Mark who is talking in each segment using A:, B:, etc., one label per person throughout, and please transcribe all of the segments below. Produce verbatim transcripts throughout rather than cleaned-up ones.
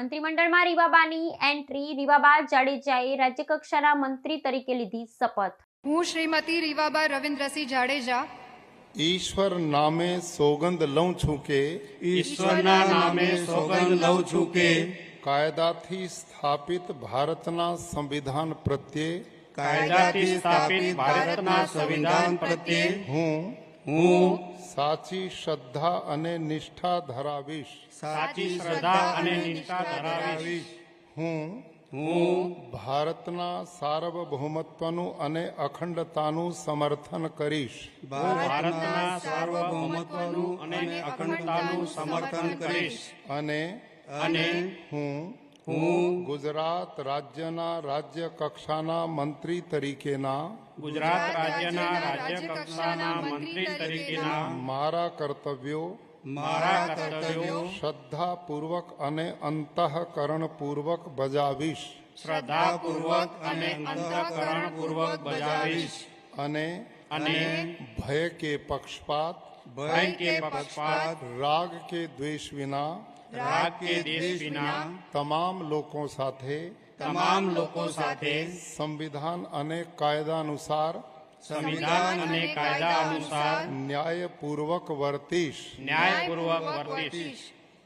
A: મંત્રીમંડળમાં રીવાબાની એન્ટ્રી, રીવાબા જાડેજાએ રાજ્યકક્ષાના મંત્રી તરીકે લીધી શપથ।
B: હું શ્રીમતી રીવાબા રવિન્દ્રસિંહ જાડેજા
C: ईश्वर नामे सोगंद लऊं छूं के
D: ईश्वरना नामे सोगंद लऊं छूं के
C: कायदाथी स्थापित भारतना संविधान प्रत्ये
D: कायदाथी स्थापित भारतना संविधान प्रत्ये
C: हूँ
D: हूँ
C: साची श्रद्धा अने निष्ठा धरावीश
D: साची श्रद्धा अने निष्ठा धरावीश
C: हूँ
D: हूँ
C: भारतना सार्वभौमत्वनु अने अखंडतानु समर्थन करीश
D: भारतना सार्वभौमत्वनु अने अखंडतानु समर्थन करीश
C: अने
D: अने
C: हूँ
D: हूँ
C: गुजरात राज्यना राज्य कक्षाना मंत्री तरीकेना
D: गुजरात राज्यना राज्य कक्षाना मंत्री तरीकेना
C: मारा कर्तव्यो
D: मारा कर्तव्यो
C: श्रद्धा पूर्वक अने अंतःकरण पूर्वक बजावीश
D: श्रद्धा पूर्वक अने अंतःकरण पूर्वक बजावीश
C: अने
D: अने
C: भय के पक्षपात
D: भय के पक्षपात
C: राग के द्वेष विना
D: राग के देश विना
C: तमाम लोगों साथे
D: तमाम लोगों साथे
C: संविधान अने कायदा अनुसार
D: संविधान अने कायदा अनुसार
C: न्याय पूर्वक वर्तीश
D: न्यायपूर्वक वर्तीश।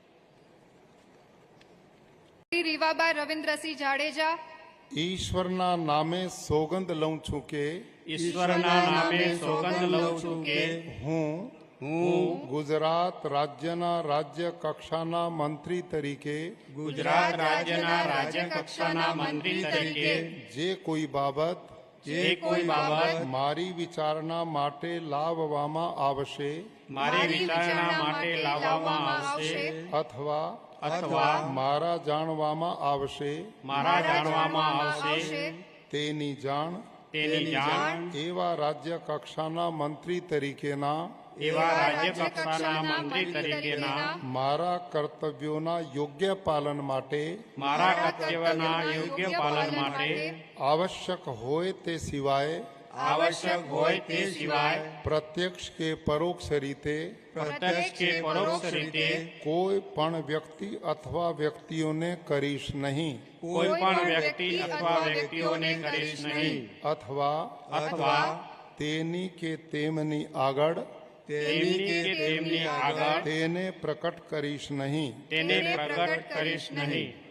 B: રીવાબા રવિન્દ્રસિંહ જાડેજા
C: ईश्वरना नामे सोगंद लऊं छूं के
D: ईश्वरना नामे सोगंद लऊं छूं के
C: हूँ
D: हूँ
C: गुजरात राज्यना राज्य कक्षाना मंत्री तरीके
D: गुजरात राज्यना राज्य कक्षाना मंत्री तरीके
C: जे कोई बाबत
D: जे कोई बाबत
C: मारी विचारणा माटे लाववामां आवशे
D: मारे विचारणा माटे लाववामां आवशे
C: अथवा
D: अथवा
C: मारा जाणवामां आवशे
D: मारा जाणवामां आवशे
C: तेनी जाण
D: तेनी जाण
C: एवा राज्य कक्षाना मंत्री तरीकेना
D: एवा राज्य कक्षाना मंत्री तरीकेना
C: मारा कर्तव्योना योग्य पालन माटे
D: मारा कर्तव्यना योग्य पालन माटे
C: आवश्यक होय ते सिवाय
D: आवश्यक होय ते सिवाय
C: प्रत्यक्ष के परोक्ष रीते
D: प्रत्यक्ष के परोक्ष रीते
C: कोई पण व्यक्ति अथवा व्यक्तियों ने करीश नहीं
D: कोई पण व्यक्ति अथवा व्यक्तियों ने करीश नहीं
C: अथवा
D: अथवा
C: तेनी के तेमनी आगड़
D: तेनी के तेमनी आगळ
C: तेने प्रकट करीश नहीं
D: तेने प्रकट करीश नहीं।